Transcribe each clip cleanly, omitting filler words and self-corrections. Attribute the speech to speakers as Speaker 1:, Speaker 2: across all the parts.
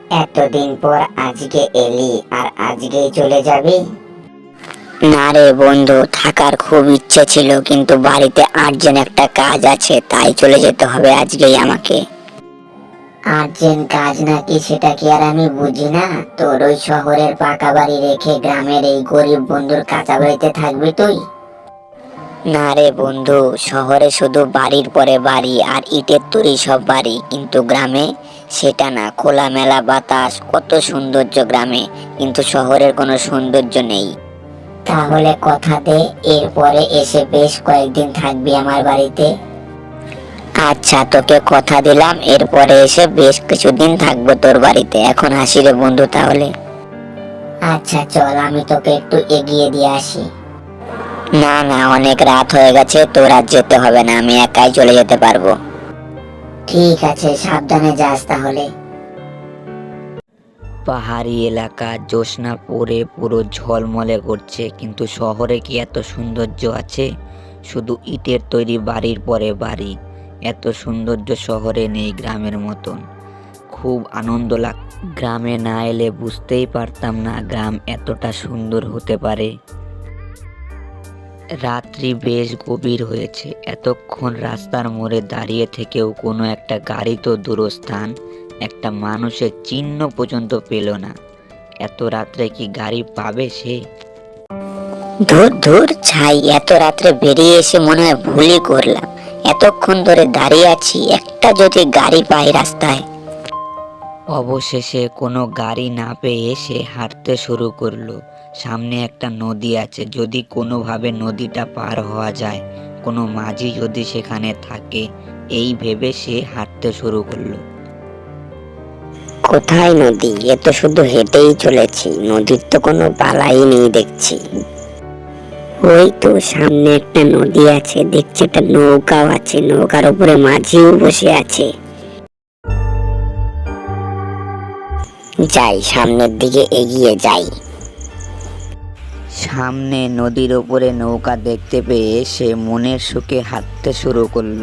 Speaker 1: এতদিন পর আজকে এলি আর আজকেই চলে যাবি? না রে বন্ধু, থাকার খুব ইচ্ছে ছিল, কিন্তু বাড়িতে আর্জেন্ট একটা কাজ আছে, তাই চলে যেতে হবে আজকেই আমাকে। আর্জেন্ট কাজ নাকি, সেটা কি আর আমি বুঝি না? তোর ওই শহরের পাকা বাড়ি রেখে গ্রামের এই গরিব বন্ধুর কাঁচা বাড়িতে থাকবি তুই? না রে বন্ধু, শহরে শুধু বাড়ির পরে বাড়ি আর ইটের তৈরি সব বাড়ি, কিন্তু গ্রামে সেটা না। খোলামেলা বাতাস, কত সৌন্দর্য গ্রামে, কিন্তু শহরের কোনো সৌন্দর্য নেই। তাহলে কথা দে, এরপরে এসে বেশ কয়েকদিন থাকবি আমার বাড়িতে। আচ্ছা, তোকে কথা দিলাম, এরপরে এসে বেশ কিছুদিন থাকবো তোর বাড়িতে। এখন আসি রে বন্ধু তাহলে। আচ্ছা চল, আমি তোকে একটু এগিয়ে দিয়ে আসি। না না, অনেক রাত হয়ে গেছে, তোর আর যেতে হবে না, আমি একাই চলে যেতে পারবো। ঠিক আছে, সাবধানে যাস তাহলে।
Speaker 2: পাহাড়ি এলাকা, জ্যোৎস্না পড়ে পুরো ঝলমলে করছে, কিন্তু শহরে কি এত সৌন্দর্য আছে? শুধু ইটের তৈরি বাড়ির পরে বাড়ি। এত সৌন্দর্য শহরে নেই গ্রামের মতন। খুব আনন্দ লাগ। গ্রামে না এলে বুঝতেই পারতাম না গ্রাম এতটা সুন্দর হতে পারে। রাত্রি বেশ গভীর হয়েছে, এতক্ষণ রাস্তার মোড়ে দাঁড়িয়ে থেকেও কোনো একটা গাড়ি তো দূরস্থান, একটা মানুষের চিহ্ন পর্যন্ত পেল না। এত রাত্রে কি গাড়ি পাবে সে?
Speaker 1: ধুর ধুর ছাই, এত রাত্রে বেরিয়ে এসে মনে হয় ভুলই করলাম। এতক্ষণ ধরে দাঁড়িয়ে আছি, একটা যদি গাড়ি পাই রাস্তায়।
Speaker 2: অবশেষে কোনো গাড়ি না পেয়ে সে হাঁটতে শুরু করলো। সামনে একটা নদী আছে, যদি কোনোভাবে নদীটা পার হওয়া যায়, কোনো মাঝি যদি সেখানে থাকে, এই ভেবে সে হাঁটতে শুরু করলো।
Speaker 1: কোথায় নদী? এ তো শুধু হেঁটেই চলেছি, নদীর তো কোনো বালাই নেই দেখছি। ওই তো সামনে একটা নদী আছে, দেখছি একটা নৌকাও আছে, নৌকার উপরে মাঝিও বসে আছে। যাই, সামনের দিকে এগিয়ে যাই।
Speaker 2: সামনে নদীর ওপরে নৌকা দেখতে পেয়ে সে মনের সুখে হাঁটতে শুরু করলো।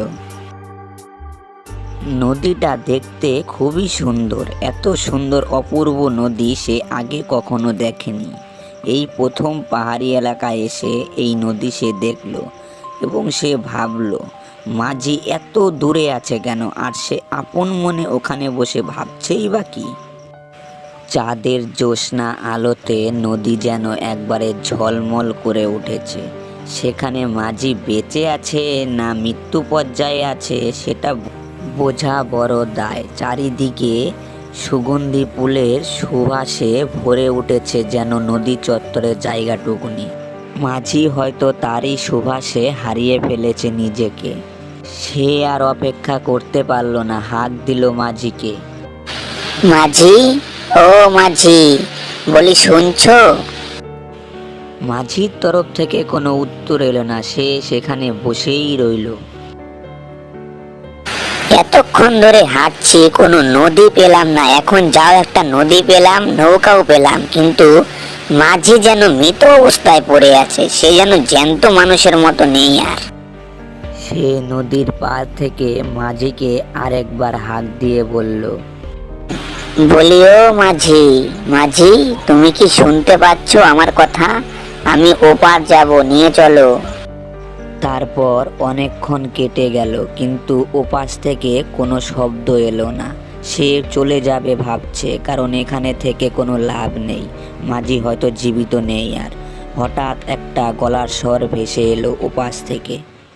Speaker 2: নদীটা দেখতে খুবই সুন্দর, এত সুন্দর অপূর্ব নদী সে আগে কখনো দেখেনি। এই প্রথম পাহাড়ি এলাকায় এসে এই নদী সে দেখলো, এবং সে ভাবলো মাঝি এত দূরে আছে কেন, আর সে আপন মনে ওখানে বসে ভাবছেই বা কি। চাঁদের জ্যোৎস্না আলোতে নদী যেন একবারে ঝলমল করে উঠেছে। সেখানে মাঝি বেঁচে আছে না মৃত্যু পর্যায়ে আছে সেটা বোঝা বড় দায়। চারিদিকে সুগন্ধি ফুলের সুবাসে ভরে উঠেছে যেন নদী চত্বরের জায়গাটুকুনি। মাঝি হয়তো তারই সুবাসে হারিয়ে ফেলেছে নিজেকে। সে আর অপেক্ষা করতে পারল না, হাঁক দিল মাঝিকে।
Speaker 1: মাঝি, ও মাঝি, বলি শুনছো?
Speaker 2: মাঝির তরফ থেকে কোনো উত্তর এলো না, সে সেখানে বসেই রইল।
Speaker 1: এতক্ষণ ধরে হাঁটছি, কোনো নদী পেলাম না, এখন যাও একটা নদী পেলাম, নৌকাও পেলাম, কিন্তু মাঝি যেন মৃত অবস্থায় পড়ে আছে, সে যেন জ্যান্ত মানুষের মতো নেই আর।
Speaker 2: সে নদীর পার থেকে মাঝিকে আরেকবার হাঁক দিয়ে বলল,
Speaker 1: বলি ও মাঝি, মাঝি, তুমি কি শুনতে পাচ্ছ আমার কথা? আমি ওপার যাব, নিয়ে চলো।
Speaker 2: তারপর অনেকক্ষণ কেটে গেল, কিন্তু ওপাশ থেকে কোনো শব্দ এলো না। সে চলে যাবে ভাবছে, কারণ এখানে থেকে কোনো লাভ নেই, মাঝি হয়তো জীবিত নেই আর। হঠাৎ একটা গলার স্বর ভেসে এলো ওপাশ থেকে।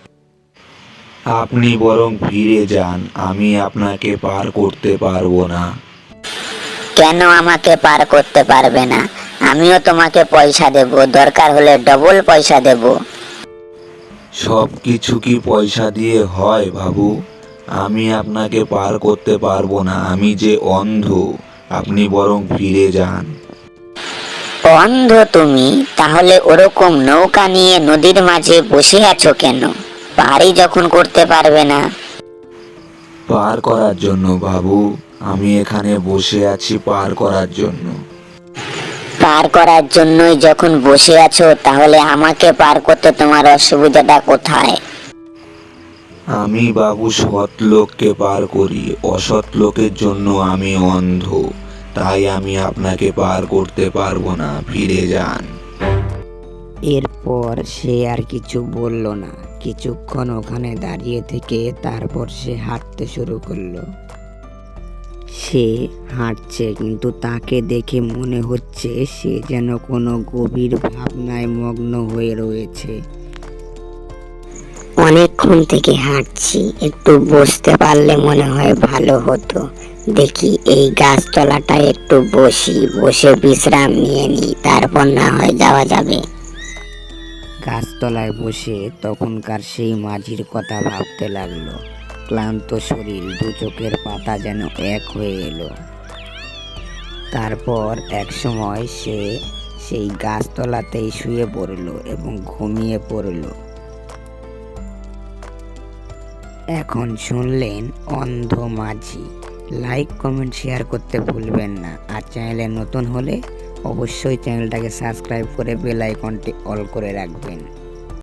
Speaker 3: আপনি বরং ফিরে যান, আমি আপনাকে পার করতে পারবো না।
Speaker 1: কেন আমাকে পার করতে পারবে না? আমিও তোমাকে পয়সা দেব, দরকার হলে ডবল পয়সা দেব।
Speaker 3: সব কিছু কি পয়সা দিয়ে হয় বাবু? আমি আপনাকে পার করতে পারবো না, আমি যে অন্ধ। আপনি বরং ফিরে যান।
Speaker 1: অন্ধ তুমি? তাহলে ওরকম নৌকা নিয়ে নদীর মাঝে বসে আছো কেন? পারি যখন করতে পারবে না।
Speaker 3: পার করার জন্য বাবু, আমি এখানে বসে আছি পার করার জন্য।
Speaker 1: পার করার জন্যই যখন বসে আছো, তাহলে আমাকে পার করতে তোমার অসুবিধাটা কোথায়?
Speaker 3: আমি বাবু সৎ লোককে পার করি, অসৎ লোকের জন্য আমি অন্ধ। তাই আমি আপনাকে পার করতে পারবো না, ফিরে যান।
Speaker 2: এরপর সে আর কিছু বলল না। কিছুক্ষণ ওখানে দাঁড়িয়ে থেকে তারপর সে হাঁটতে শুরু করলো। সে হাঁটছে, কিন্তু তাকে দেখে মনে হচ্ছে সে যেন কোনো গভীর ভাবনায় মগ্ন হয়ে রয়েছে।
Speaker 1: অনেকক্ষণ থেকে হাঁটছি, একটু বসতে পারলে মনে হয় ভালো হতো। দেখি এই গাছতলাটায় একটু বসে বিশ্রাম নিয়ে নিই, তারপর না হয় যাওয়া যাবে।
Speaker 2: গাছতলায় বসে তখনকার সেই মাঝির কথা ভাবতে লাগলো। ক্লান্ত শরীর, দু চোখের পাতা যেন এক হয়ে এলো। তারপর এক সময় সে সেই গাছতলাতেই শুয়ে পড়ল এবং ঘুমিয়ে পড়ল। এখন শুনলেন অন্ধ মাঝি। লাইক, কমেন্ট, শেয়ার করতে ভুলবেন না। আর চ্যানেলে নতুন হলে অবশ্যই চ্যানেলটাকে সাবস্ক্রাইব করে বেল আইকনটি অল করে রাখবেন।